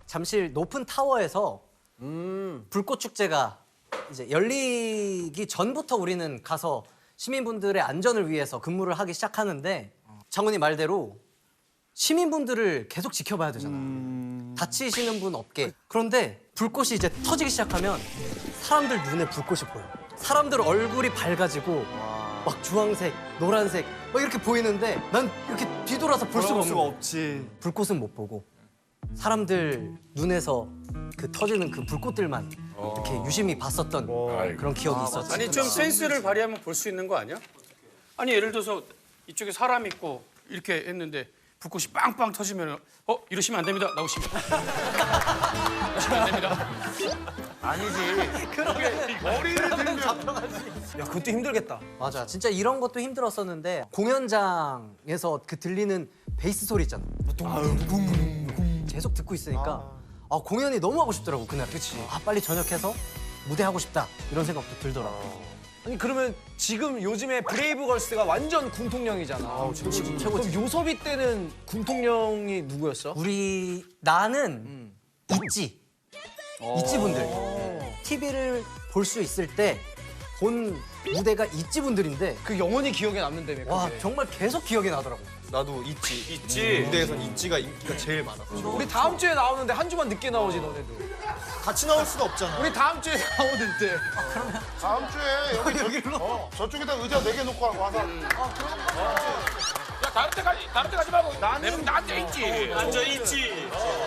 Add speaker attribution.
Speaker 1: 잠실 높은 타워에서 불꽃 축제가 이제 열리기 전부터 우리는 가서 시민분들의 안전을 위해서 근무를 하기 시작하는데 장훈이 말대로 시민분들을 계속 지켜봐야 되잖아. 다치시는 분 없게. 그런데 불꽃이 이제 터지기 시작하면 사람들 눈에 불꽃이 보여. 사람들 얼굴이 밝아지고 막 주황색, 노란색 막 이렇게 보이는데 난 이렇게 뒤돌아서 볼 수가 없는 거야.
Speaker 2: 없지.
Speaker 1: 불꽃은 못 보고 사람들 눈에서 그 터지는 그 불꽃들만 이렇게 유심히 봤었던 그런 기억이 있었지.
Speaker 3: 아니 좀 센스를 발휘하면 볼 수 있는 거 아니야? 아니 예를 들어서 이쪽에 사람 있고 이렇게 했는데 불꽃이 빵빵 터지면 이러시면 안 됩니다. 나오시면. 이러시면 안 됩니다.
Speaker 2: 머리를 들면.
Speaker 4: 야, 그것도 힘들겠다.
Speaker 1: 맞아. 진짜 이런 것도 힘들었었는데 공연장에서 그 들리는 베이스 소리 있잖아. 계속 듣고 있으니까 공연이 너무 하고 싶더라고 그날. 그치. 빨리 전역해서 무대 하고 싶다 이런 생각도 들더라고.
Speaker 4: 아니 그러면 지금 요즘에 브레이브걸스가 완전 군통령이잖아.
Speaker 1: 최고지.
Speaker 4: 그럼 요섭이 때는 군통령이 누구였어?
Speaker 1: 나는 있지. 있지 분들. TV를 볼 수 있을 때 본 무대가 있지 분들인데
Speaker 4: 그 영원히 기억에 남는다며.
Speaker 1: 와
Speaker 4: 그게.
Speaker 1: 정말 계속 기억이 나더라고.
Speaker 2: 나도 있지.
Speaker 3: 있지.
Speaker 2: 무대에선 있지가 인기가 제일 많아.
Speaker 4: 우리 다음 주에 나오는데 한 주만 늦게 나오지 너네도.
Speaker 2: 같이 나올 수는 없잖아.
Speaker 4: 우리 다음 주에 나오는데.
Speaker 5: 다음 주에 여기로 저쪽에다 의자 4개 놓고 와서
Speaker 3: 야 다른 데 가지 말고 나한테 있지. 앉아 있지.